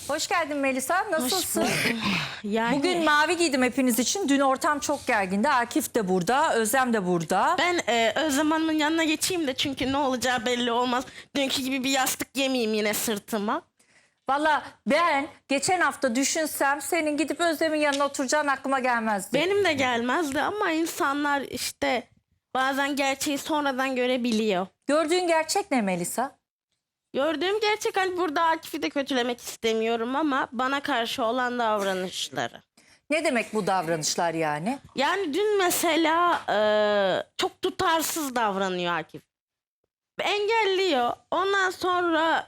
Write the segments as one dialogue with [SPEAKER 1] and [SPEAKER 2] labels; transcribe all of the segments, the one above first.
[SPEAKER 1] Hoş geldin Melisa. Nasılsın?
[SPEAKER 2] Yani
[SPEAKER 1] Bugün mavi giydim hepiniz için. Dün ortam çok gergindi. Akif de burada, Özlem de burada.
[SPEAKER 2] ben Özlem Hanım'ın yanına geçeyim de çünkü ne olacağı belli olmaz. Dünkü gibi bir yastık yemeyeyim yine sırtıma.
[SPEAKER 1] Valla ben geçen hafta düşünsem senin gidip Özlem'in yanına oturacağın aklıma gelmezdi.
[SPEAKER 2] Benim de gelmezdi ama insanlar işte bazen gerçeği sonradan görebiliyor.
[SPEAKER 1] Gördüğün gerçek ne Melisa?
[SPEAKER 2] Gördüğüm gerçek, hani burada Akif'i de kötülemek istemiyorum ama bana karşı olan davranışları.
[SPEAKER 1] Ne demek bu davranışlar yani?
[SPEAKER 2] Yani dün mesela çok tutarsız davranıyor Akif. Engelliyor. Ondan sonra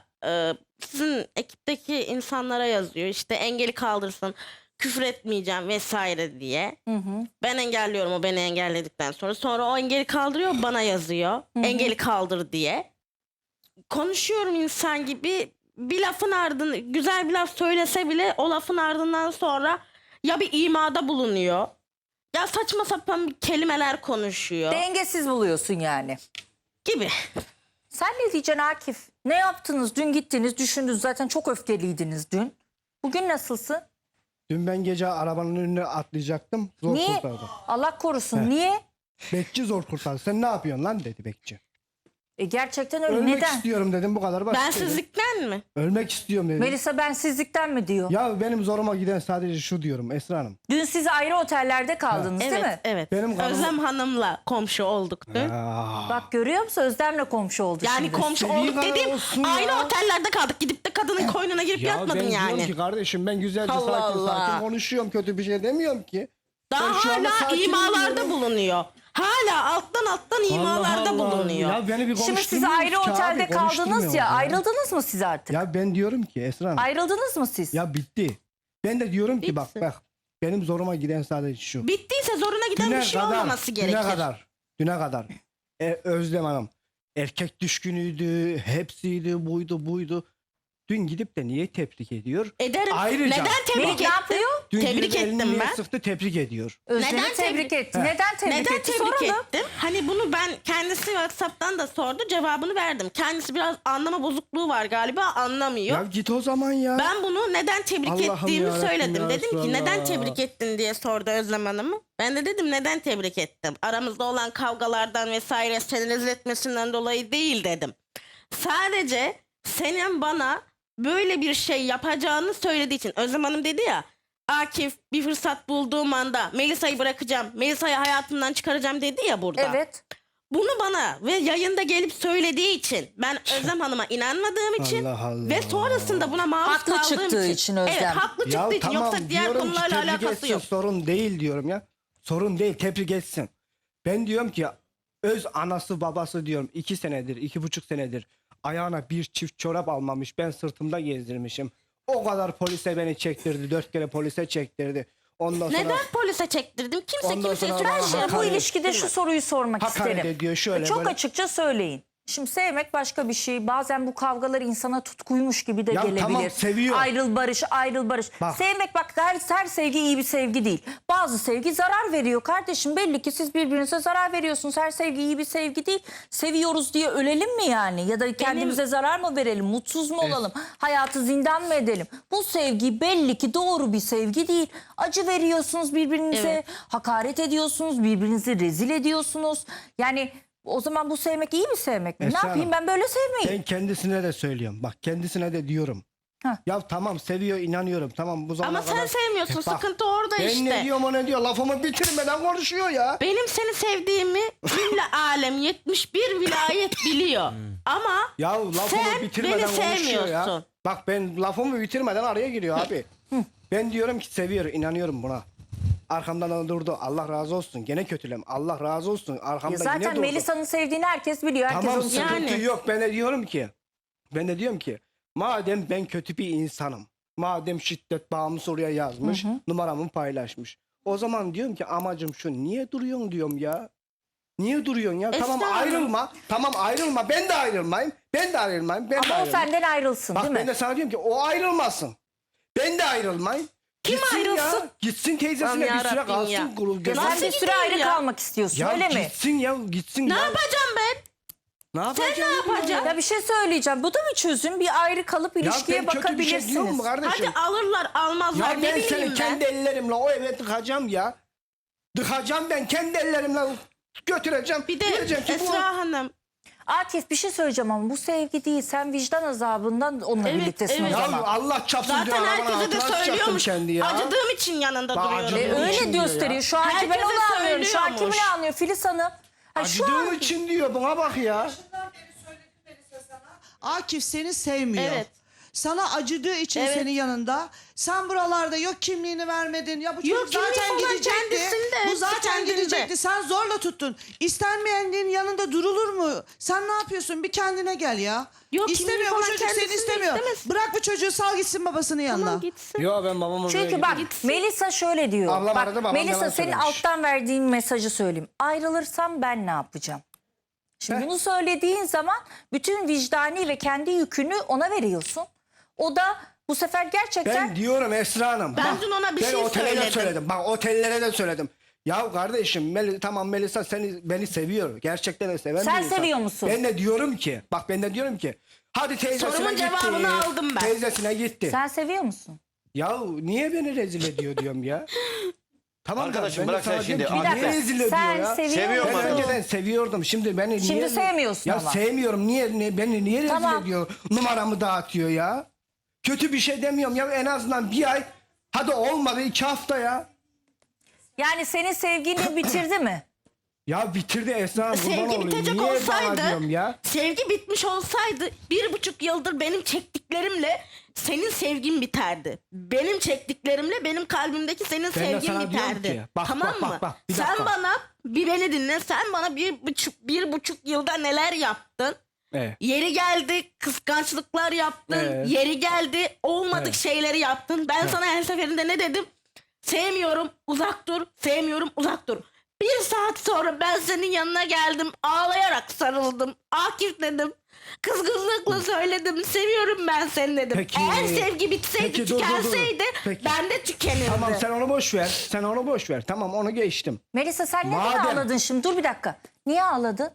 [SPEAKER 2] sizin ekipteki insanlara yazıyor. İşte engeli kaldırsın, küfür etmeyeceğim vesaire diye. Ben engelliyorum, o beni engelledikten sonra. Sonra o engeli kaldırıyor, bana yazıyor. Engeli kaldır diye. Konuşuyorum insan gibi, bir lafın ardını, güzel bir laf söylese bile o lafın ardından sonra ya bir imada bulunuyor. Ya saçma sapan kelimeler konuşuyor
[SPEAKER 1] Dengesiz buluyorsun yani.
[SPEAKER 2] gibi.
[SPEAKER 1] Sen ne diyeceksin Akif? Ne yaptınız? Dün gittiniz, düşündünüz. Zaten çok öfkeliydiniz dün. Bugün nasılsın?
[SPEAKER 3] Dün ben gece arabanın önüne atlayacaktım. Zor
[SPEAKER 1] Niye?
[SPEAKER 3] kurtardı.
[SPEAKER 1] Allah korusun.
[SPEAKER 3] He.
[SPEAKER 1] Niye?
[SPEAKER 3] Bekçi zor kurtardı. Sen ne yapıyorsun lan dedi bekçi.
[SPEAKER 1] Gerçekten öyle.
[SPEAKER 3] Ölmek
[SPEAKER 1] Neden?
[SPEAKER 3] istiyorum dedim, bu kadar basit dedim.
[SPEAKER 2] Bensizlikten mi?
[SPEAKER 3] Ölmek istiyorum dedim.
[SPEAKER 1] Melisa bensizlikten mi diyor?
[SPEAKER 3] Ya benim zoruma giden sadece şu diyorum Esra Hanım.
[SPEAKER 1] Dün siz ayrı otellerde kaldınız değil mi?
[SPEAKER 2] Evet.
[SPEAKER 3] Benim kanım-
[SPEAKER 2] Özlem Hanım'la komşu olduk dün.
[SPEAKER 1] Bak görüyor musun? Özlem'le komşu oldu
[SPEAKER 2] Yani
[SPEAKER 1] şimdi.
[SPEAKER 2] komşu
[SPEAKER 3] istediği
[SPEAKER 2] olduk
[SPEAKER 3] kadar
[SPEAKER 2] dediğim
[SPEAKER 3] olsun
[SPEAKER 2] aynı
[SPEAKER 3] ya.
[SPEAKER 2] otellerde kaldık. Gidip de kadının koynuna girip
[SPEAKER 3] Ya
[SPEAKER 2] yatmadın
[SPEAKER 3] ben diyorum
[SPEAKER 2] yani.
[SPEAKER 3] ki kardeşim, ben güzelce
[SPEAKER 2] Allah
[SPEAKER 3] sakin
[SPEAKER 2] Allah.
[SPEAKER 3] sakin konuşuyorum. Kötü bir şey demiyorum ki.
[SPEAKER 2] Daha
[SPEAKER 3] Ben şu anda
[SPEAKER 2] hala
[SPEAKER 3] sakinim
[SPEAKER 2] imalarda
[SPEAKER 3] diyorum.
[SPEAKER 2] bulunuyor. Hala alttan imalarda
[SPEAKER 3] Allah Allah.
[SPEAKER 2] bulunuyor.
[SPEAKER 3] Ya beni bir
[SPEAKER 1] Şimdi siz
[SPEAKER 3] konuşturmuyorsunuz
[SPEAKER 1] ayrı
[SPEAKER 3] ki abi,
[SPEAKER 1] otelde kaldınız
[SPEAKER 3] konuşturmuyorsunuz
[SPEAKER 1] ya. Ayrıldınız mı siz artık?
[SPEAKER 3] Ya ben diyorum ki Esra Hanım.
[SPEAKER 1] Ayrıldınız mı siz?
[SPEAKER 3] Ya bitti. Ben de diyorum ki
[SPEAKER 2] Bitsin.
[SPEAKER 3] bak benim zoruma giden sadece şu.
[SPEAKER 2] Bittiyse zoruna giden bir şey olmaması gerekir.
[SPEAKER 3] Düne kadar Özlem Hanım erkek düşkünüydü, hepsiydi, buydu. Dün gidip de niye tebrik ediyor?
[SPEAKER 2] Ederim.
[SPEAKER 3] Ayrıca-
[SPEAKER 2] Neden tebrik
[SPEAKER 1] Melih ne
[SPEAKER 2] ettin?
[SPEAKER 1] yapıyor?
[SPEAKER 3] Dün
[SPEAKER 2] Tebrik
[SPEAKER 3] gidip elini
[SPEAKER 2] ettim
[SPEAKER 3] niye
[SPEAKER 2] ben.
[SPEAKER 3] sıktı, tebrik ediyor.
[SPEAKER 1] Özlem'i
[SPEAKER 2] Neden
[SPEAKER 1] tebrik
[SPEAKER 2] tebrik-
[SPEAKER 1] etti. Neden tebrik
[SPEAKER 2] Neden
[SPEAKER 1] etti?
[SPEAKER 2] tebrik
[SPEAKER 1] Soralım.
[SPEAKER 2] ettim? Hani bunu ben kendisi WhatsApp'tan da sordu, cevabını verdim. Kendisi biraz anlama bozukluğu var galiba, anlamıyor.
[SPEAKER 3] Ya git o zaman ya.
[SPEAKER 2] Ben bunu neden tebrik
[SPEAKER 3] Allah'ım
[SPEAKER 2] ettiğimi
[SPEAKER 3] yarabbim
[SPEAKER 2] söyledim.
[SPEAKER 3] ya
[SPEAKER 2] Dedim ki
[SPEAKER 3] Resulallah.
[SPEAKER 2] neden tebrik ettin diye sordu Özlem Hanım'ı. Ben de dedim neden tebrik ettim. Aramızda olan kavgalardan vesaire seni rezil etmesinden dolayı değil dedim. Sadece senin bana böyle bir şey yapacağını söylediği için. Özlem Hanım dedi ya, Akif bir fırsat bulduğum anda Melisa'yı bırakacağım, Melisa'yı hayatımdan çıkaracağım dedi ya burada.
[SPEAKER 1] Evet.
[SPEAKER 2] Bunu bana ve yayında gelip söylediği için ben Özlem Hanım'a inanmadığım için
[SPEAKER 3] Allah Allah.
[SPEAKER 2] ve sonrasında buna maruz
[SPEAKER 1] Haklı
[SPEAKER 2] kaldığım
[SPEAKER 1] çıktığı
[SPEAKER 2] için.
[SPEAKER 1] için Özlem.
[SPEAKER 2] Evet, haklı çıktığı
[SPEAKER 3] Ya
[SPEAKER 2] için,
[SPEAKER 3] tamam
[SPEAKER 2] yoksa diğer
[SPEAKER 3] diyorum ki
[SPEAKER 2] konularla
[SPEAKER 3] tebrik
[SPEAKER 2] alakası
[SPEAKER 3] etsin,
[SPEAKER 2] yok.
[SPEAKER 3] sorun değil diyorum ya. Sorun değil, tebrik etsin. Ben diyorum ki öz anası babası diyorum 2 senedir, 2,5 senedir ayağına bir çift çorap almamış, ben sırtımda gezdirmişim. O kadar polise beni çektirdi, 4 kere polise çektirdi. Ondan sonra
[SPEAKER 2] Neden polise çektirdim? Kimse
[SPEAKER 3] Ondan
[SPEAKER 2] kimseye
[SPEAKER 3] sonra
[SPEAKER 2] süren
[SPEAKER 3] bana
[SPEAKER 2] şey
[SPEAKER 1] Bu
[SPEAKER 3] hakaret
[SPEAKER 1] ilişkide şu soruyu sormak
[SPEAKER 3] hakaret
[SPEAKER 1] isterim.
[SPEAKER 3] ediyor şöyle
[SPEAKER 1] Çok
[SPEAKER 3] böyle.
[SPEAKER 1] açıkça söyleyin. Şimdi sevmek başka bir şey. Bazen bu kavgalar insana tutkuymuş gibi de
[SPEAKER 3] Ya
[SPEAKER 1] gelebilir.
[SPEAKER 3] tamam, seviyor.
[SPEAKER 1] Ayrıl barış, ayrıl barış.
[SPEAKER 3] Bak.
[SPEAKER 1] Sevmek bak her sevgi iyi bir sevgi değil. Bazı sevgi zarar veriyor kardeşim. Belli ki siz birbirinize zarar veriyorsunuz. Her sevgi iyi bir sevgi değil. Seviyoruz diye ölelim mi yani? Ya da kendimize zarar mı verelim? Mutsuz mu olalım? Hayatı zindan mı edelim? Bu sevgi belli ki doğru bir sevgi değil. Acı veriyorsunuz birbirinize.
[SPEAKER 2] Evet.
[SPEAKER 1] Hakaret ediyorsunuz. Birbirinizi rezil ediyorsunuz. Yani o zaman bu sevmek iyi mi sevmek mi?
[SPEAKER 3] Esra
[SPEAKER 1] Ne yapayım
[SPEAKER 3] Hanım,
[SPEAKER 1] ben böyle sevmeyeyim.
[SPEAKER 3] Ben kendisine de söylüyorum. Bak kendisine de diyorum.
[SPEAKER 1] Heh.
[SPEAKER 3] Ya tamam seviyor, inanıyorum. Tamam bu zamana
[SPEAKER 2] Ama sen
[SPEAKER 3] kadar.
[SPEAKER 2] sevmiyorsun.
[SPEAKER 3] Bak,
[SPEAKER 2] Sıkıntı orada
[SPEAKER 3] ben
[SPEAKER 2] işte.
[SPEAKER 3] ne diyorum o ne diyor. Lafımı bitirmeden konuşuyor ya.
[SPEAKER 2] Benim seni sevdiğimi cümle alem 71 vilayet biliyor. Ama
[SPEAKER 3] Ya lafımı
[SPEAKER 2] sen
[SPEAKER 3] bitirmeden
[SPEAKER 2] beni
[SPEAKER 3] konuşuyor ya.
[SPEAKER 2] sevmiyorsun.
[SPEAKER 3] Bak ben lafımı bitirmeden araya giriyor abi. Ben diyorum ki seviyor, inanıyorum buna. Arkamdan da durdu. Allah razı olsun. Gene kötülem. Allah razı olsun. Arkamda
[SPEAKER 1] Ya
[SPEAKER 3] yine
[SPEAKER 1] zaten
[SPEAKER 3] durdu.
[SPEAKER 1] Melisa'nın sevdiğini herkes biliyor. Herkes
[SPEAKER 3] Tamam
[SPEAKER 1] onu seviyor.
[SPEAKER 3] sıkıntı
[SPEAKER 2] Yani.
[SPEAKER 3] yok. Ben de diyorum ki madem ben kötü bir insanım. Madem şiddet bağımlısı oraya yazmış. Numaramı paylaşmış. O zaman diyorum ki amacım şu. Niye duruyorsun diyorum ya. Niye duruyorsun ya? Tamam
[SPEAKER 2] Esra Hanım.
[SPEAKER 3] ayrılma. Tamam ayrılma. Ben de ayrılmayayım. Ben de ayrılmayayım. Ben de
[SPEAKER 1] Ama o
[SPEAKER 3] ayrılmayayım.
[SPEAKER 1] senden ayrılsın
[SPEAKER 3] Bak
[SPEAKER 1] değil
[SPEAKER 3] ben
[SPEAKER 1] mi?
[SPEAKER 3] de sana diyorum ki o ayrılmasın. Ben de ayrılmayayım.
[SPEAKER 2] Kim
[SPEAKER 3] Gitsin
[SPEAKER 2] ayrılsın?
[SPEAKER 3] Ya. Gitsin teyzesine
[SPEAKER 2] Aman
[SPEAKER 3] bir süre
[SPEAKER 2] yarabbim
[SPEAKER 3] kalsın.
[SPEAKER 2] ya.
[SPEAKER 3] Kurul
[SPEAKER 1] Ya sen
[SPEAKER 2] Nasıl
[SPEAKER 1] bir süre
[SPEAKER 2] gideyim
[SPEAKER 1] ayrı
[SPEAKER 2] ya?
[SPEAKER 1] kalmak istiyorsun
[SPEAKER 3] ya
[SPEAKER 1] öyle mi?
[SPEAKER 3] gitsin ya gitsin.
[SPEAKER 2] ne
[SPEAKER 3] ya.
[SPEAKER 2] yapacağım ben?
[SPEAKER 3] Ne
[SPEAKER 2] Sen
[SPEAKER 3] yapacağım?
[SPEAKER 2] ne yapacaksın?
[SPEAKER 1] Ya bir şey söyleyeceğim. Bu da bir çözüm. Bir ayrı kalıp ilişkiye
[SPEAKER 3] ben kötü bir şey diyorum
[SPEAKER 1] bakabilirsiniz.
[SPEAKER 3] mu kardeşim?
[SPEAKER 2] Hadi alırlar almazlar
[SPEAKER 3] Ya
[SPEAKER 2] ne
[SPEAKER 3] ben
[SPEAKER 2] bileyim
[SPEAKER 3] seni
[SPEAKER 2] ben.
[SPEAKER 3] kendi ellerimle o eve tıkacağım ya. Tıkacağım ben kendi ellerimle götüreceğim.
[SPEAKER 2] Bir de
[SPEAKER 3] Diyeceğim ki bu-
[SPEAKER 2] Esra Hanım.
[SPEAKER 1] Akif bir şey söyleyeceğim ama bu sevgi değil. Sen vicdan azabından onunla
[SPEAKER 2] Evet,
[SPEAKER 1] birliktesin
[SPEAKER 2] evet.
[SPEAKER 1] o
[SPEAKER 3] Ya
[SPEAKER 1] zaman.
[SPEAKER 3] Allah çapsın diyor.
[SPEAKER 2] Zaten
[SPEAKER 3] arabanın
[SPEAKER 2] herkese de
[SPEAKER 3] altına sıçacaktım
[SPEAKER 2] söylüyormuş.
[SPEAKER 3] kendi ya.
[SPEAKER 2] Acıdığım için yanında
[SPEAKER 3] Bak,
[SPEAKER 2] duruyorum.
[SPEAKER 3] acıdığım
[SPEAKER 1] Öyle
[SPEAKER 3] için diyor
[SPEAKER 1] gösteriyor.
[SPEAKER 3] ya.
[SPEAKER 1] Şu anki ben
[SPEAKER 2] Herkese
[SPEAKER 1] onu anlıyorum. Şu an kim
[SPEAKER 2] söylüyormuş.
[SPEAKER 1] ne anlıyor? Filiz Hanım. Ha, şu
[SPEAKER 3] Acıdığım
[SPEAKER 1] an
[SPEAKER 3] için diyor buna bak ya.
[SPEAKER 4] Akif seni sevmiyor.
[SPEAKER 2] Evet.
[SPEAKER 4] Sana acıdığı için
[SPEAKER 2] Evet.
[SPEAKER 4] senin yanında. Sen buralarda yok kimliğini vermedin. Ya bu
[SPEAKER 2] Yok,
[SPEAKER 4] çocuk
[SPEAKER 2] kimliği
[SPEAKER 4] zaten
[SPEAKER 2] falan
[SPEAKER 4] gidecekti.
[SPEAKER 2] kendisinde,
[SPEAKER 4] Bu zaten
[SPEAKER 2] kendinde.
[SPEAKER 4] gidecekti. Sen zorla tuttun. İstenmeyenin yanında durulur mu? Sen ne yapıyorsun? Bir kendine gel ya.
[SPEAKER 2] Yok,
[SPEAKER 4] İstemiyor
[SPEAKER 2] kimliği
[SPEAKER 4] bu
[SPEAKER 2] falan
[SPEAKER 4] çocuk seni
[SPEAKER 2] kendisinde
[SPEAKER 4] istemiyor.
[SPEAKER 2] istemez.
[SPEAKER 4] Bırak bu çocuğu sal gitsin babasının yanına.
[SPEAKER 2] Tamam gitsin.
[SPEAKER 3] Yo ben babamın
[SPEAKER 1] çünkü bak Melisa şöyle diyor.
[SPEAKER 3] Ablam
[SPEAKER 1] Bak,
[SPEAKER 3] aradı, babam
[SPEAKER 1] Melisa
[SPEAKER 3] yalan
[SPEAKER 1] senin
[SPEAKER 3] söylemiş.
[SPEAKER 1] alttan verdiğin mesajı söyleyeyim. Ayrılırsam ben ne yapacağım? Şimdi bunu söylediğin zaman bütün vicdani ve kendi yükünü ona veriyorsun. O da bu sefer gerçekten
[SPEAKER 3] Ben diyorum Esra Hanım.
[SPEAKER 2] Ben
[SPEAKER 3] bak,
[SPEAKER 2] dün ona bir
[SPEAKER 3] ben
[SPEAKER 2] şey
[SPEAKER 3] otele de
[SPEAKER 2] söyledim.
[SPEAKER 3] söyledim. Bak otellere de söyledim. Ya kardeşim tamam Melisa beni seviyor. Gerçekten de seven
[SPEAKER 1] Sen
[SPEAKER 3] bir insan.
[SPEAKER 1] seviyor musun?
[SPEAKER 3] Ben de diyorum ki hadi teyzesine
[SPEAKER 2] Sorumun
[SPEAKER 3] gitti.
[SPEAKER 2] cevabını aldım ben.
[SPEAKER 3] Teyzesine gitti.
[SPEAKER 1] sen seviyor musun?
[SPEAKER 3] Ya niye beni rezil ediyor diyorum ya. Tamam da
[SPEAKER 5] Arkadaşım,
[SPEAKER 3] ben de
[SPEAKER 5] bırak
[SPEAKER 3] sana
[SPEAKER 5] sen şimdi.
[SPEAKER 3] diyorum ki,
[SPEAKER 5] Bir
[SPEAKER 3] niye
[SPEAKER 5] dakika.
[SPEAKER 3] rezil ediyor
[SPEAKER 1] Sen
[SPEAKER 3] ya?
[SPEAKER 1] seviyor
[SPEAKER 5] Seviyor
[SPEAKER 3] Ben
[SPEAKER 1] musun?
[SPEAKER 5] mu?
[SPEAKER 3] önceden seviyordum. Şimdi beni
[SPEAKER 1] Şimdi
[SPEAKER 3] niye...
[SPEAKER 1] sevmiyorsun
[SPEAKER 3] ya
[SPEAKER 1] ama.
[SPEAKER 3] sevmiyorum. Beni niye
[SPEAKER 1] Tamam.
[SPEAKER 3] rezil ediyor? Numaramı dağıtıyor ya. Kötü bir şey demiyorum ya. En azından bir ay. Hadi olmadı 2 hafta ya.
[SPEAKER 1] Yani senin sevgini bitirdi mi?
[SPEAKER 3] Ya bitirdi Esra Hanım. kurban
[SPEAKER 2] Sevgi
[SPEAKER 3] olayım.
[SPEAKER 2] bitecek
[SPEAKER 3] Niye bana
[SPEAKER 2] olsaydı,
[SPEAKER 3] diyorum ya?
[SPEAKER 2] sevgi bitmiş olsaydı 1,5 yıldır benim çektiklerimle senin sevgin biterdi. Benim çektiklerimle benim kalbimdeki senin
[SPEAKER 3] Ben de
[SPEAKER 2] sevgin
[SPEAKER 3] sana diyorum
[SPEAKER 2] biterdi.
[SPEAKER 3] ki, bak,
[SPEAKER 2] tamam
[SPEAKER 3] bak,
[SPEAKER 2] mı?
[SPEAKER 3] bak, bak, bir
[SPEAKER 2] sen
[SPEAKER 3] dakika.
[SPEAKER 2] bana bir beni dinle. Sen bana 1,5 yılda neler yaptın?
[SPEAKER 3] Evet.
[SPEAKER 2] Yeri geldi kıskançlıklar yaptın.
[SPEAKER 3] Evet.
[SPEAKER 2] Yeri geldi olmadık
[SPEAKER 3] Evet.
[SPEAKER 2] şeyleri yaptın. Ben sana her seferinde ne dedim? Sevmiyorum uzak dur. Sevmiyorum uzak dur. 1 saat sonra ben senin yanına geldim. Ağlayarak sarıldım. Akif dedim. Kızgınlıkla söyledim. Seviyorum ben seni dedim.
[SPEAKER 3] Peki.
[SPEAKER 2] Eğer sevgi bitseydi
[SPEAKER 3] Peki, dur.
[SPEAKER 2] tükenseydi
[SPEAKER 3] Peki.
[SPEAKER 2] ben de tükenirdim.
[SPEAKER 3] Tamam sen onu boş ver. Sen onu boş ver. Tamam onu geçtim.
[SPEAKER 1] Melisa sen neden
[SPEAKER 3] Madem-
[SPEAKER 1] ağladın şimdi? Dur bir dakika. Niye ağladın?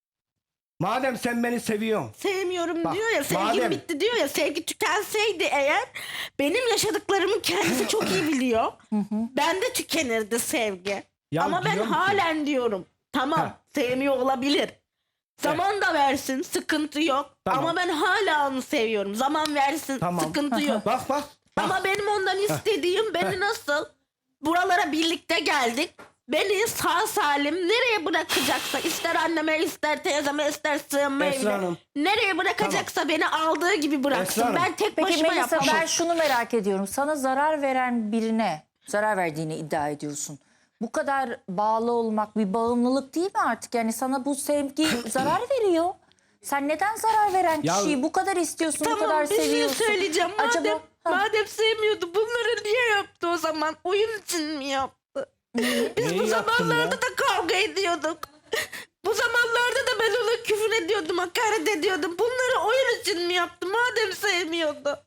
[SPEAKER 3] Madem sen beni seviyorsun.
[SPEAKER 2] Sevmiyorum
[SPEAKER 3] Bak,
[SPEAKER 2] diyor ya, sevgim
[SPEAKER 3] madem-
[SPEAKER 2] bitti diyor ya, sevgi tükenseydi eğer benim yaşadıklarımı kendisi çok iyi biliyor. Bende tükenirdi sevgi.
[SPEAKER 3] Ya
[SPEAKER 2] Ama ben
[SPEAKER 3] diyorum ki-
[SPEAKER 2] halen diyorum tamam
[SPEAKER 3] Ha.
[SPEAKER 2] sevmiyor olabilir. Zaman da versin sıkıntı yok.
[SPEAKER 3] Tamam.
[SPEAKER 2] Ama ben hala onu seviyorum. Zaman versin
[SPEAKER 3] Tamam.
[SPEAKER 2] sıkıntı yok.
[SPEAKER 3] Bak bak.
[SPEAKER 2] Ama benim ondan istediğim beni nasıl buralara birlikte geldik. Beni sağ salim nereye bırakacaksa ister anneme ister teyzeme ister sığınma
[SPEAKER 3] Esra
[SPEAKER 2] evine
[SPEAKER 3] Hanım.
[SPEAKER 2] nereye bırakacaksa beni aldığı gibi bıraksın.
[SPEAKER 3] Esra Hanım.
[SPEAKER 2] Ben tek
[SPEAKER 1] Peki
[SPEAKER 2] başıma
[SPEAKER 1] Melisa
[SPEAKER 2] yapamam.
[SPEAKER 1] ben şunu merak ediyorum. Sana zarar veren birine zarar verdiğini iddia ediyorsun. Bu kadar bağlı olmak bir bağımlılık değil mi artık? Yani sana bu sevgi zarar veriyor. Sen neden zarar veren
[SPEAKER 3] Ya-
[SPEAKER 1] kişiyi bu kadar istiyorsun, bu
[SPEAKER 2] Tamam
[SPEAKER 1] kadar
[SPEAKER 2] bir şey
[SPEAKER 1] seviyorsun?
[SPEAKER 2] söyleyeceğim.
[SPEAKER 1] Acaba- Ha.
[SPEAKER 2] Madem sevmiyordu bunları niye yaptı o zaman? Oyun için mi yaptı? Biz
[SPEAKER 3] Neyi
[SPEAKER 2] bu
[SPEAKER 3] yaptım
[SPEAKER 2] zamanlarda
[SPEAKER 3] ya?
[SPEAKER 2] da kavga ediyorduk. Bu zamanlarda da ben ona küfür ediyordum, hakaret ediyordum. Bunları oyun için mi yaptı madem sevmiyordu?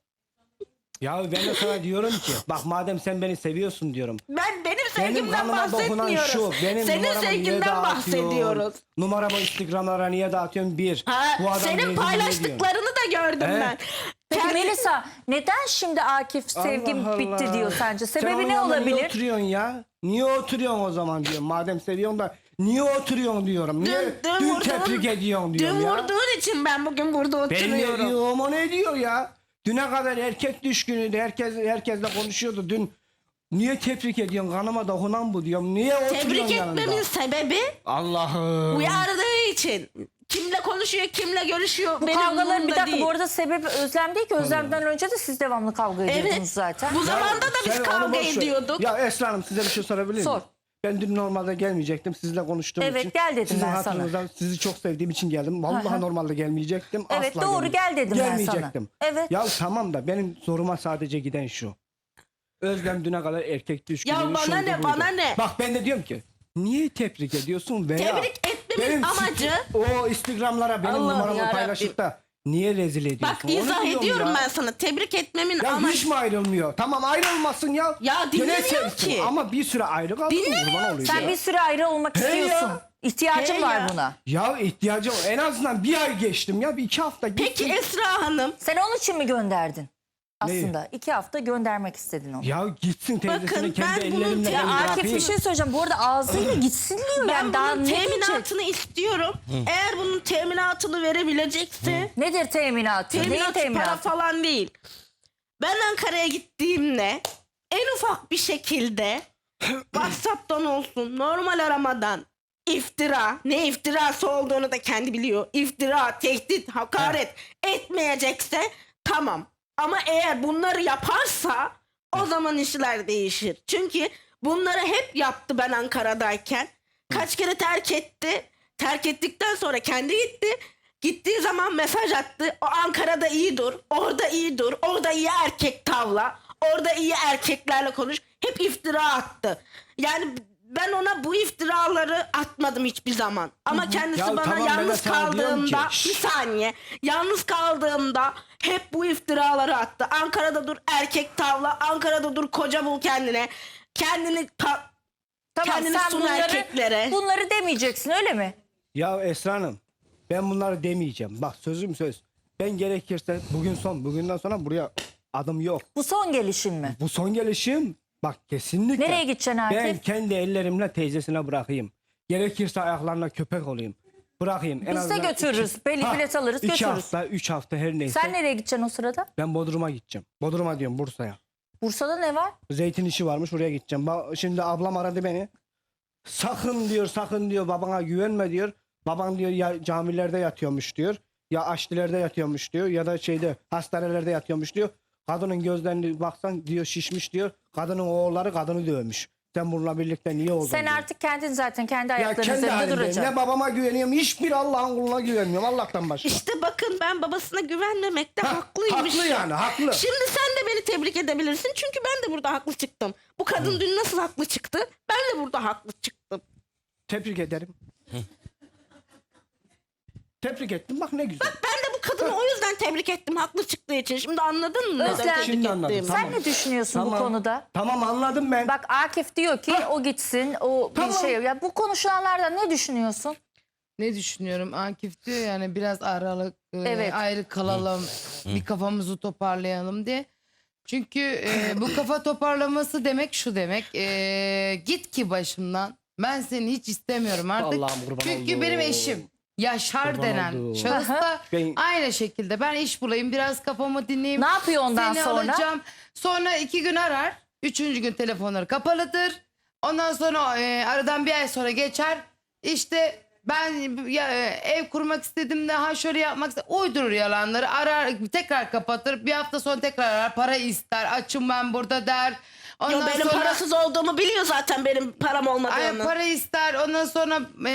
[SPEAKER 3] Ya ben de sana diyorum ki bak madem sen beni seviyorsun diyorum.
[SPEAKER 2] Benim
[SPEAKER 3] Benim
[SPEAKER 2] sevgimden
[SPEAKER 3] kanıma dokunan
[SPEAKER 2] bahsetmiyoruz.
[SPEAKER 3] şu. Benim
[SPEAKER 2] Senin
[SPEAKER 3] numaramı niye
[SPEAKER 2] sevginden
[SPEAKER 3] dağıtıyorsun?
[SPEAKER 2] bahsediyoruz.
[SPEAKER 3] Numaramı Instagram'lara niye dağıtıyorsun? Bir.
[SPEAKER 2] Ha,
[SPEAKER 3] Bu adam
[SPEAKER 2] senin
[SPEAKER 3] niye diyorsun?
[SPEAKER 2] paylaştıklarını da gördüm
[SPEAKER 3] He?
[SPEAKER 2] ben.
[SPEAKER 1] Peki
[SPEAKER 2] Kendi-
[SPEAKER 1] Melisa neden şimdi Akif sevgim
[SPEAKER 3] Allah
[SPEAKER 1] bitti
[SPEAKER 3] Allah.
[SPEAKER 1] diyor sence?
[SPEAKER 3] Sen
[SPEAKER 1] Sebebi
[SPEAKER 3] onun
[SPEAKER 1] ne
[SPEAKER 3] yanında Niye
[SPEAKER 1] olabilir?
[SPEAKER 3] oturuyorsun ya? Niye oturuyorsun o zaman diyorum. Madem seviyorsun da niye oturuyorsun diyorum. Niye dün
[SPEAKER 2] vurduğun-
[SPEAKER 3] tebrik ediyorsun diyorum
[SPEAKER 2] Dün
[SPEAKER 3] ya.
[SPEAKER 2] vurduğun için ben bugün burada
[SPEAKER 3] Ben ne
[SPEAKER 2] oturuyorum.
[SPEAKER 3] diyorum o ne diyor ya? Düne kadar erkek düşkünüydü. Herkesle konuşuyordu. Dün niye tebrik ediyorsun? Kanıma dokunan bu diyorum. Niye oturuyorsun
[SPEAKER 2] Tebrik
[SPEAKER 3] yanında?
[SPEAKER 2] etmemin sebebi
[SPEAKER 3] Allah'ım.
[SPEAKER 2] uyardığı için. Kimle konuşuyor, kimle görüşüyor
[SPEAKER 1] Bu
[SPEAKER 2] benim
[SPEAKER 1] kavgaların bir
[SPEAKER 2] umurumda
[SPEAKER 1] dakika
[SPEAKER 2] değil.
[SPEAKER 1] bu arada sebebi Özlem değil ki. Özlem'den önce de siz devamlı kavga ediyordunuz
[SPEAKER 2] Evet.
[SPEAKER 1] zaten.
[SPEAKER 2] Bu zamanda da biz
[SPEAKER 3] Sen onu
[SPEAKER 2] kavga
[SPEAKER 3] boş ver.
[SPEAKER 2] ediyorduk.
[SPEAKER 3] Ya Esra Hanım size bir şey sorabilir miyim?
[SPEAKER 1] Sor.
[SPEAKER 3] Ben dün normalde gelmeyecektim. Sizinle konuştuğum
[SPEAKER 1] Evet,
[SPEAKER 3] için.
[SPEAKER 1] gel dedim
[SPEAKER 3] Sizin
[SPEAKER 1] ben sana.
[SPEAKER 3] hatırınızdan sizi çok sevdiğim için geldim. Vallahi normalde gelmeyecektim.
[SPEAKER 1] Evet,
[SPEAKER 3] Asla
[SPEAKER 1] doğru, gel dedim ben sana.
[SPEAKER 3] Gelmeyecektim.
[SPEAKER 1] Evet.
[SPEAKER 3] Ya tamam da benim soruma sadece giden şu. Özlem düne kadar erkek düşkünlüğü.
[SPEAKER 2] Ya bana
[SPEAKER 3] şuydu,
[SPEAKER 2] ne,
[SPEAKER 3] buydu.
[SPEAKER 2] bana ne?
[SPEAKER 3] Bak ben de diyorum ki niye tebrik ediyorsun veya
[SPEAKER 2] Tebrik etmemin amacı-
[SPEAKER 3] o Instagram'lara benim
[SPEAKER 2] Allah'ım
[SPEAKER 3] numaramı
[SPEAKER 2] yarabbim.
[SPEAKER 3] paylaşıp da niye rezil ediyorsun?
[SPEAKER 2] Bak
[SPEAKER 3] Onu
[SPEAKER 2] izah
[SPEAKER 3] diyorum
[SPEAKER 2] ediyorum
[SPEAKER 3] ya.
[SPEAKER 2] ben sana. Tebrik etmemin
[SPEAKER 3] Ya
[SPEAKER 2] amacı.
[SPEAKER 3] hiç mi ayrılmıyor? Tamam ayrılmasın ya.
[SPEAKER 2] Ya
[SPEAKER 3] Gene
[SPEAKER 2] dinlemiyor
[SPEAKER 3] sevsin
[SPEAKER 2] ki.
[SPEAKER 3] ama bir süre ayrı kalsın.
[SPEAKER 2] Dinlemiyor.
[SPEAKER 3] Kurban olayım
[SPEAKER 1] Sen
[SPEAKER 3] ya.
[SPEAKER 1] bir süre ayrı olmak
[SPEAKER 3] He
[SPEAKER 1] istiyorsun.
[SPEAKER 3] ya.
[SPEAKER 1] İhtiyacım
[SPEAKER 2] Hey
[SPEAKER 1] var
[SPEAKER 2] ya.
[SPEAKER 1] buna.
[SPEAKER 3] Ya ihtiyacım en azından bir ay geçtim ya. Bir 2 hafta gittim.
[SPEAKER 2] Peki Esra Hanım,
[SPEAKER 1] Sen onun için mi gönderdin? Aslında 2 hafta göndermek istedin onu.
[SPEAKER 3] Ya gitsin teyzesini
[SPEAKER 2] Bakın,
[SPEAKER 3] kendi
[SPEAKER 2] ben bunun
[SPEAKER 3] ellerimle
[SPEAKER 1] Ya
[SPEAKER 3] ben
[SPEAKER 1] Akif
[SPEAKER 3] bırakayım.
[SPEAKER 1] bir şey söyleyeceğim. Bu arada ağzıyla gitsin diyor.
[SPEAKER 2] ben
[SPEAKER 1] Yani daha
[SPEAKER 2] bunun
[SPEAKER 1] ne diyecek?
[SPEAKER 2] teminatını istiyorum. Eğer bunun teminatını verebilecekse,
[SPEAKER 1] Nedir teminatı? Neyin
[SPEAKER 2] teminat para
[SPEAKER 1] teminatı?
[SPEAKER 2] falan değil. Ben Ankara'ya gittiğimde en ufak bir şekilde WhatsApp'tan olsun, normal aramadan iftira, ne iftirası olduğunu da kendi biliyor. İftira, tehdit, hakaret etmeyecekse tamam. Ama eğer bunları yaparsa o zaman işler değişir. Çünkü bunları hep yaptı ben Ankara'dayken. Kaç kere terk etti. Terk ettikten sonra kendi gitti. Gittiği zaman mesaj attı. O Ankara'da iyi dur. Orada iyi dur. Orada iyi erkek tavla. Orada iyi erkeklerle konuş. Hep iftira attı. Yani ben ona bu iftiraları atmadım hiçbir zaman. Ama kendisi
[SPEAKER 3] Ya
[SPEAKER 2] bana
[SPEAKER 3] tamam, ben de
[SPEAKER 2] yalnız
[SPEAKER 3] sana diyorum ki,
[SPEAKER 2] kaldığımda
[SPEAKER 3] şşş.
[SPEAKER 2] bir saniye. Yalnız kaldığımda hep bu iftiraları attı. Ankara'da dur erkek tavla. Ankara'da dur koca bul kendine. Kendini
[SPEAKER 1] Tamam
[SPEAKER 2] kendini
[SPEAKER 1] sen
[SPEAKER 2] sun erkeklere.
[SPEAKER 1] bunları demeyeceksin öyle mi?
[SPEAKER 3] Ya Esra Hanım ben bunları demeyeceğim. Bak sözüm söz. Ben gerekirse bugünden sonra buraya adım yok.
[SPEAKER 1] Bu son gelişin mi?
[SPEAKER 3] Bu son gelişim bak kesinlikle.
[SPEAKER 1] Nereye gideceksin Akif?
[SPEAKER 3] Ben kendi ellerimle teyzesine bırakayım. Gerekirse ayaklarına köpek olayım. Bırakayım. En
[SPEAKER 1] Biz de
[SPEAKER 3] azından
[SPEAKER 1] götürürüz. Bilet alırız
[SPEAKER 3] 2
[SPEAKER 1] götürürüz.
[SPEAKER 3] hafta 3 hafta her neyse.
[SPEAKER 1] Sen nereye gideceksin o sırada?
[SPEAKER 3] Ben Bodrum'a gideceğim. Bodrum'a diyorum Bursa'ya.
[SPEAKER 1] Bursa'da ne var?
[SPEAKER 3] Zeytin işi varmış oraya gideceğim. Şimdi ablam aradı beni. Sakın diyor babana güvenme diyor. Baban diyor ya camilerde yatıyormuş diyor. Ya aşçilerde yatıyormuş diyor. Ya da hastanelerde yatıyormuş diyor. Kadının gözlerini baksan diyor şişmiş diyor. Kadının oğulları kadını dövmüş. Sen bununla birlikte niye oldun
[SPEAKER 1] Sen
[SPEAKER 3] diyor.
[SPEAKER 1] artık kendin zaten kendi
[SPEAKER 3] Ya
[SPEAKER 1] ayaklarının
[SPEAKER 3] kendi
[SPEAKER 1] üzerinde
[SPEAKER 3] halimdeyim.
[SPEAKER 1] duracaksın.
[SPEAKER 3] Ne babama güveniyorum hiçbir Allah'ın kuluna güvenmiyorum Allah'tan başka.
[SPEAKER 2] İşte bakın ben babasına güvenmemekte haklıymış.
[SPEAKER 3] Haklı yani haklı.
[SPEAKER 2] Şimdi sen de beni tebrik edebilirsin. Çünkü ben de burada haklı çıktım. Bu kadın dün nasıl haklı çıktı? Ben de burada haklı çıktım.
[SPEAKER 3] Tebrik ederim. Tebrik ettim bak ne güzel.
[SPEAKER 2] Ben de bu kadını o yüzden tebrik ettim haklı çıktığı için. Şimdi anladın mı?
[SPEAKER 1] Özlem,
[SPEAKER 2] neden tebrik
[SPEAKER 3] şimdi anladım.
[SPEAKER 2] ettiğimi?
[SPEAKER 3] Tamam.
[SPEAKER 1] Sen ne düşünüyorsun bu konuda?
[SPEAKER 3] Tamam anladım ben.
[SPEAKER 1] Bak Akif diyor ki o gitsin, o
[SPEAKER 3] Tamam.
[SPEAKER 1] bir şey. Ya bu konuşulanlardan ne düşünüyorsun?
[SPEAKER 5] Ne düşünüyorum? Akif diyor yani biraz aralık
[SPEAKER 1] Evet.
[SPEAKER 5] ayrı kalalım. Bir kafamızı toparlayalım diye. Çünkü bu kafa toparlaması demek şu demek. Git ki başımdan. Ben seni hiç istemiyorum artık.
[SPEAKER 3] Allah'ım kurban
[SPEAKER 5] Çünkü
[SPEAKER 3] olduğum.
[SPEAKER 5] benim eşim Yaşar
[SPEAKER 3] Kurban
[SPEAKER 5] denen
[SPEAKER 3] olduğum.
[SPEAKER 5] şahıs da
[SPEAKER 3] Ben-
[SPEAKER 5] aynı şekilde ben iş bulayım biraz kafamı dinleyeyim.
[SPEAKER 1] Ne yapıyor ondan
[SPEAKER 5] Seni
[SPEAKER 1] sonra?
[SPEAKER 5] alacağım. Sonra 2 gün arar. 3. gün telefonları kapalıdır. Ondan sonra aradan bir ay sonra geçer. İşte ben ev kurmak istedim de ha şöyle yapmak istedim. Uydurur yalanları arar tekrar kapatır. Bir hafta sonra tekrar arar para ister. Açım ben burada der. Ondan
[SPEAKER 2] Yo, benim
[SPEAKER 5] sonra,
[SPEAKER 2] parasız olduğumu biliyor zaten benim param
[SPEAKER 5] Ay,
[SPEAKER 2] olmadığını.
[SPEAKER 5] para ister. Ondan sonra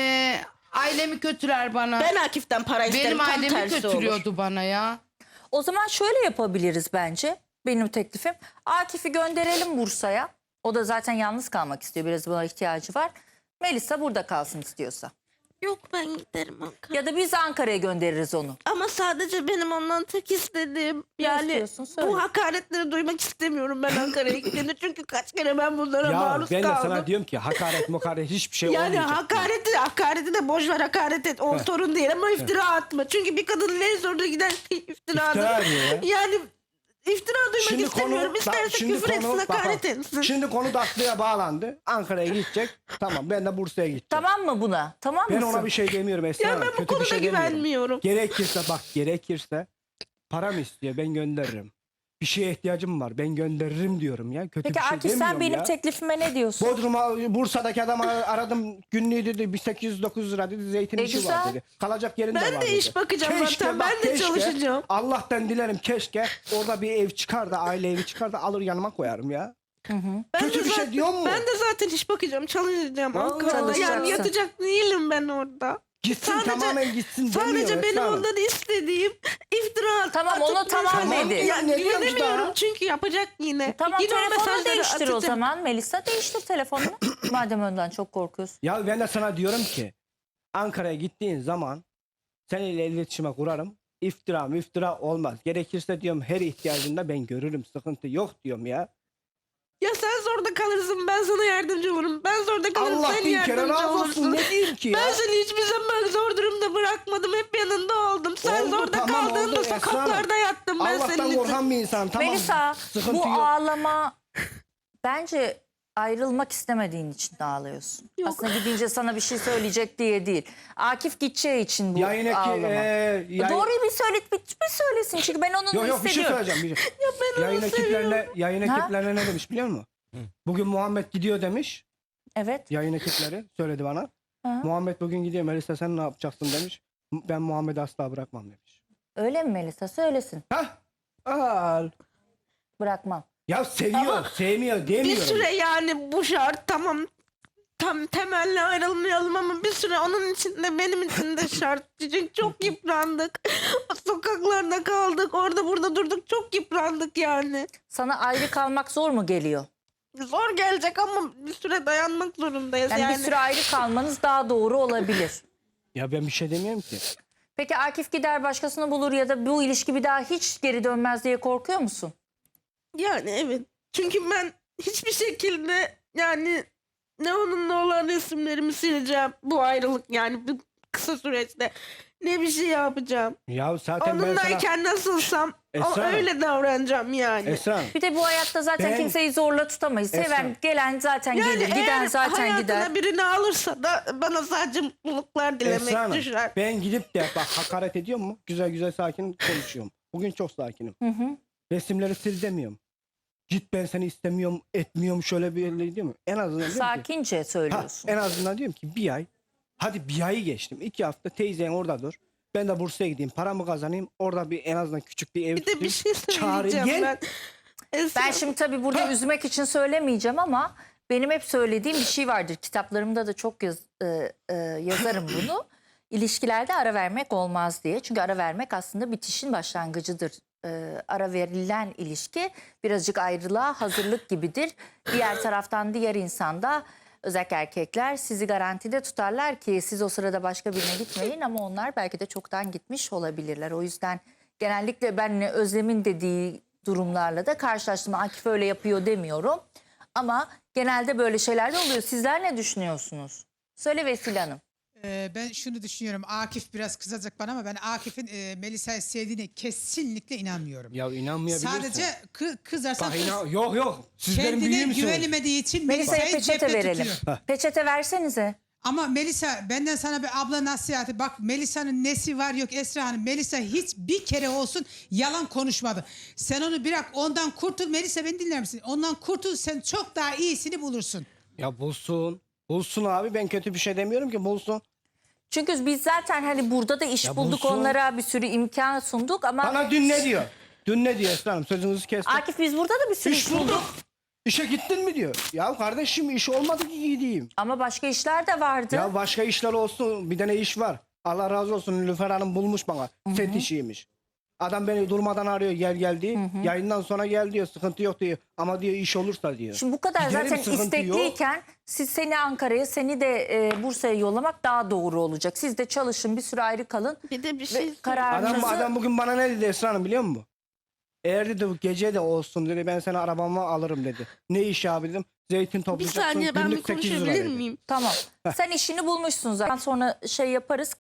[SPEAKER 5] ailemi kötüler bana.
[SPEAKER 2] Ben Akif'ten para isterim.
[SPEAKER 5] Benim
[SPEAKER 2] Tam
[SPEAKER 5] ailemi
[SPEAKER 2] tersi olur.
[SPEAKER 5] kötülüyordu bana ya.
[SPEAKER 1] O zaman şöyle yapabiliriz bence. Benim teklifim. Akif'i gönderelim Bursa'ya. O da zaten yalnız kalmak istiyor. Biraz buna ihtiyacı var. Melisa burada kalsın istiyorsa.
[SPEAKER 2] Yok ben giderim Ankara.
[SPEAKER 1] Ya da biz Ankara'ya göndeririz onu.
[SPEAKER 2] Ama sadece benim ondan tek istediğim yani
[SPEAKER 1] istiyorsun? Söyle.
[SPEAKER 2] bu hakaretleri duymak istemiyorum ben Ankara'ya gittiğimde. Çünkü kaç kere ben bunlara
[SPEAKER 3] Ya
[SPEAKER 2] maruz
[SPEAKER 3] ben de
[SPEAKER 2] kaldım.
[SPEAKER 3] sana diyorum ki hakaret hiçbir şey
[SPEAKER 2] Yani
[SPEAKER 3] olmayacak.
[SPEAKER 2] hakareti de boş ver hakaret et. O sorun değil ama iftira atma. Çünkü bir kadının en zoruna giden iftiradır.
[SPEAKER 3] İftira diyor ya.
[SPEAKER 2] Yani iftira duymak istemiyorum. İsterse küfür etsin, hakaret etsin.
[SPEAKER 3] Şimdi konu Daklı'ya bağlandı. Ankara'ya gidecek. Tamam ben de Bursa'ya gideceğim.
[SPEAKER 1] Tamam mı buna? Tamam
[SPEAKER 3] Ben
[SPEAKER 1] mısın?
[SPEAKER 3] ona bir şey demiyorum Esra
[SPEAKER 2] Ya
[SPEAKER 3] Hanım.
[SPEAKER 2] ben bu
[SPEAKER 3] Kötü bir
[SPEAKER 2] konuda
[SPEAKER 3] şey demiyorum.
[SPEAKER 2] güvenmiyorum.
[SPEAKER 3] Gerekirse param istiyor ben gönderirim. Bir şeye ihtiyacım var ben gönderirim diyorum ya. Kötü
[SPEAKER 1] Peki
[SPEAKER 3] bir şey
[SPEAKER 1] Akif
[SPEAKER 3] demiyorum
[SPEAKER 1] sen benim
[SPEAKER 3] ya.
[SPEAKER 1] teklifime ne diyorsun?
[SPEAKER 3] Bursa'daki adamı aradım günlüğü dedi 1809 lira dedi zeytin işi
[SPEAKER 1] güzel.
[SPEAKER 3] var dedi. Kalacak yerin de
[SPEAKER 2] Ben
[SPEAKER 3] var
[SPEAKER 2] de
[SPEAKER 3] dedi.
[SPEAKER 2] iş bakacağım zaten,
[SPEAKER 3] bak,
[SPEAKER 2] ben de çalışacağım.
[SPEAKER 3] Allah'tan dilerim keşke orada bir ev çıkar da aile evi çıkar da alır yanıma koyarım ya.
[SPEAKER 2] Ben
[SPEAKER 3] Kötü
[SPEAKER 2] de
[SPEAKER 3] bir şey
[SPEAKER 2] zaten-
[SPEAKER 3] diyor mu?
[SPEAKER 2] Ben de zaten iş bakacağım, çalışacağım.
[SPEAKER 3] Vallahi
[SPEAKER 2] Ankara'da. Yani
[SPEAKER 1] çalışacaksın.
[SPEAKER 2] yatacak değilim ben orada.
[SPEAKER 3] Gitsin tamamen gitsin demiyor
[SPEAKER 2] Sadece benim
[SPEAKER 3] Esra Hanım.
[SPEAKER 2] ondan istediğim iftira
[SPEAKER 1] Tamam,
[SPEAKER 2] atıp
[SPEAKER 1] onu tamam
[SPEAKER 2] mesela-
[SPEAKER 1] dedi.
[SPEAKER 2] Ya,
[SPEAKER 3] Ne diyormuş
[SPEAKER 2] güvenemiyorum
[SPEAKER 3] daha?
[SPEAKER 2] çünkü yapacak yine.
[SPEAKER 1] Tamam
[SPEAKER 2] Yine o
[SPEAKER 1] telefonunu
[SPEAKER 2] mesajları
[SPEAKER 1] değiştir o
[SPEAKER 2] atacak.
[SPEAKER 1] zaman Melisa. Değiştir telefonunu. Madem ondan çok korkuyorsun.
[SPEAKER 3] Ya ben de sana diyorum ki Ankara'ya gittiğin zaman seninle iletişime kurarım. İftira olmaz. Gerekirse diyorum her ihtiyacında ben görürüm. Sıkıntı yok diyorum ya.
[SPEAKER 2] Ya sen zorda kalırsın, ben sana yardımcı olurum. Ben zorda kalırım,
[SPEAKER 3] Allah
[SPEAKER 2] sen
[SPEAKER 3] bin kere
[SPEAKER 2] yardımcı
[SPEAKER 3] razı olsun.
[SPEAKER 2] olursun.
[SPEAKER 3] Ne diyeyim ki ya?
[SPEAKER 2] Ben seni hiçbir zaman zor durumda bırakmadım. Hep yanında oldum. Sen
[SPEAKER 3] Oldu,
[SPEAKER 2] zorda
[SPEAKER 3] tamam,
[SPEAKER 2] kaldığında
[SPEAKER 3] oldu Esra Hanım.
[SPEAKER 2] sokaklarda yattım ben
[SPEAKER 3] Allah'tan
[SPEAKER 2] senin için.
[SPEAKER 3] korkan bir insan. Tamam.
[SPEAKER 1] Melisa
[SPEAKER 3] Sıkıntı
[SPEAKER 1] bu
[SPEAKER 3] yok.
[SPEAKER 1] ağlama bence ayrılmak istemediğin için de ağlıyorsun.
[SPEAKER 2] Yok.
[SPEAKER 1] Aslında gidince sana bir şey söyleyecek diye değil. Akif gideceği için bu
[SPEAKER 3] Yayındaki,
[SPEAKER 1] ağlama. Doğruyu bir söylesin çünkü ben onun
[SPEAKER 3] Yok bir şey
[SPEAKER 1] hissediyorum.
[SPEAKER 3] söyleyeceğim.
[SPEAKER 2] ben
[SPEAKER 3] Yayın
[SPEAKER 2] onu
[SPEAKER 3] ekiplerine
[SPEAKER 1] Ha?
[SPEAKER 3] ne demiş biliyor musun? Bugün Muhammed gidiyor demiş.
[SPEAKER 1] Evet.
[SPEAKER 3] Yayın ekipleri söyledi bana.
[SPEAKER 1] Ha.
[SPEAKER 3] Muhammed bugün gidiyor. Melisa sen ne yapacaksın demiş. Ben Muhammed'i asla bırakmam demiş.
[SPEAKER 1] Öyle mi Melisa? Söylesin.
[SPEAKER 3] Hah. Al.
[SPEAKER 1] Bırakmam.
[SPEAKER 3] Ya seviyor, sevmiyor
[SPEAKER 2] Bir
[SPEAKER 3] demiyorum.
[SPEAKER 2] süre yani bu şart tamam. Tam temelli ayrılmayalım ama bir süre onun için de benim için de şart. Çünkü çok yıprandık. Sokaklarda kaldık. Orada burada durduk. Çok yıprandık yani.
[SPEAKER 1] Sana ayrı kalmak zor mu geliyor?
[SPEAKER 2] Zor gelecek ama bir süre dayanmak zorundayız
[SPEAKER 1] Yani,
[SPEAKER 2] yani.
[SPEAKER 1] bir süre ayrı kalmanız daha doğru olabilir.
[SPEAKER 3] Ya ben bir şey demiyorum ki.
[SPEAKER 1] Peki Akif gider başkasını bulur ya da bu ilişki bir daha hiç geri dönmez diye korkuyor musun?
[SPEAKER 2] Yani evet. Çünkü ben hiçbir şekilde yani ne onunla olan resimlerimi sileceğim. Bu ayrılık yani bu kısa süreçte. Ne bir şey yapacağım.
[SPEAKER 3] Ya zaten ben sana...
[SPEAKER 2] Onunlayken nasılsam
[SPEAKER 3] Esra,
[SPEAKER 2] öyle davranacağım yani.
[SPEAKER 3] Esra,
[SPEAKER 1] Bir de bu hayatta zaten
[SPEAKER 3] Ben-
[SPEAKER 1] kimseyi zorla tutamayız. Seven
[SPEAKER 3] Esra.
[SPEAKER 1] gelen zaten
[SPEAKER 2] Yani
[SPEAKER 1] gelir, giden
[SPEAKER 2] eğer
[SPEAKER 1] zaten
[SPEAKER 2] hayatına
[SPEAKER 1] gider.
[SPEAKER 2] birini alırsa da bana sadece mutluluklar dilemek
[SPEAKER 3] Esra Hanım,
[SPEAKER 2] düşer.
[SPEAKER 3] ben gidip de bak hakaret ediyor mu? Güzel güzel sakin konuşuyorum. Bugün çok sakinim. Resimleri sil demiyorum. Git ben seni istemiyorum, etmiyorum şöyle bir öyle diyor mu? En azından diyorum ki,
[SPEAKER 1] Sakince söylüyorsun.
[SPEAKER 3] en azından diyorum ki bir ay, hadi bir ayı geçtim. 2 hafta teyzen orada dur. Ben de Bursa'ya gideyim, paramı kazanayım. Orada bir en azından küçük bir ev
[SPEAKER 2] Bir de bir şey
[SPEAKER 3] Çağrı,
[SPEAKER 2] söyleyeceğim
[SPEAKER 3] gel.
[SPEAKER 2] ben. Esra,
[SPEAKER 1] Ben şimdi tabii burada üzmek için söylemeyeceğim ama benim hep söylediğim bir şey vardır. Kitaplarımda da çok yazarım bunu. İlişkilerde ara vermek olmaz diye. Çünkü ara vermek aslında bitişin başlangıcıdır. Ara verilen ilişki birazcık ayrılığa hazırlık gibidir. Diğer taraftan diğer insanda özellikle erkekler sizi garantide tutarlar ki siz o sırada başka birine gitmeyin ama onlar belki de çoktan gitmiş olabilirler. O yüzden genellikle ben Özlem'in dediği durumlarla da karşılaştım. Akif öyle yapıyor demiyorum. Ama genelde böyle şeyler de oluyor. Sizler ne düşünüyorsunuz? Söyle Vesile Hanım.
[SPEAKER 6] Ben şunu düşünüyorum. Akif biraz kızacak bana ama ben Akif'in Melisa'yı sevdiğine kesinlikle inanmıyorum.
[SPEAKER 3] Ya inanmayabilirsin.
[SPEAKER 6] Sadece kızarsan
[SPEAKER 3] Bak, yok. Sizlerin
[SPEAKER 6] kendine
[SPEAKER 3] büyüğü müsünüz?
[SPEAKER 6] güvenemediği için
[SPEAKER 1] Melisa'ya
[SPEAKER 6] Melisa'yı
[SPEAKER 1] peçete
[SPEAKER 6] cepte
[SPEAKER 1] verelim.
[SPEAKER 6] tutuyor.
[SPEAKER 1] Peçete versenize.
[SPEAKER 6] Ama Melisa benden sana bir abla nasihati. Bak Melisa'nın nesi var yok Esra Hanım. Melisa hiç bir kere olsun yalan konuşmadı. Sen onu bırak ondan kurtul. Melisa beni dinler misin? Ondan kurtul sen çok daha iyisini bulursun.
[SPEAKER 3] Ya bulsun. Bulsun abi, ben kötü bir şey demiyorum ki, bulsun.
[SPEAKER 1] Çünkü biz zaten hani burada da iş
[SPEAKER 3] Ya
[SPEAKER 1] bulduk,
[SPEAKER 3] bulsun.
[SPEAKER 1] onlara bir sürü imkan sunduk ama
[SPEAKER 3] Bana dün ne diyor? Dün ne diyor Esra Hanım? Sözünüzü kestim.
[SPEAKER 1] Akif biz burada da bir sürü
[SPEAKER 3] İş bulduk. İşe gittin mi diyor. Ya kardeşim iş olmadı ki gideyim.
[SPEAKER 1] Ama başka işler de vardı.
[SPEAKER 3] Ya başka işler olsun. Bir tane iş var. Allah razı olsun, Nilüfer Hanım bulmuş bana. Set işiymiş. Adam beni durmadan arıyor, gel diye. Yayından sonra gel diyor, sıkıntı yok diyor. Ama diyor iş olursa diyor.
[SPEAKER 1] Şimdi bu kadar
[SPEAKER 3] Giderim,
[SPEAKER 1] zaten
[SPEAKER 3] sıkıntı yok.
[SPEAKER 1] istekliyken siz seni Ankara'ya, seni de Bursa'ya yollamak daha doğru olacak. Siz de çalışın, bir süre ayrı kalın.
[SPEAKER 2] bir de bir
[SPEAKER 1] Ve
[SPEAKER 2] şey
[SPEAKER 1] kararınızı...
[SPEAKER 3] Adam bugün bana ne dedi Esra Hanım biliyor musun? Eğer dedi bu gece de olsun dedi, ben seni arabama alırım dedi. Ne iş abi dedim. Zeytin
[SPEAKER 2] Bir
[SPEAKER 3] toplayacaksın.
[SPEAKER 2] saniye ben bir
[SPEAKER 3] günlük 800 lira
[SPEAKER 2] konuşabilir
[SPEAKER 3] dedi.
[SPEAKER 2] miyim?
[SPEAKER 1] Tamam. Sen işini bulmuşsun zaten. Sonra şey yaparız.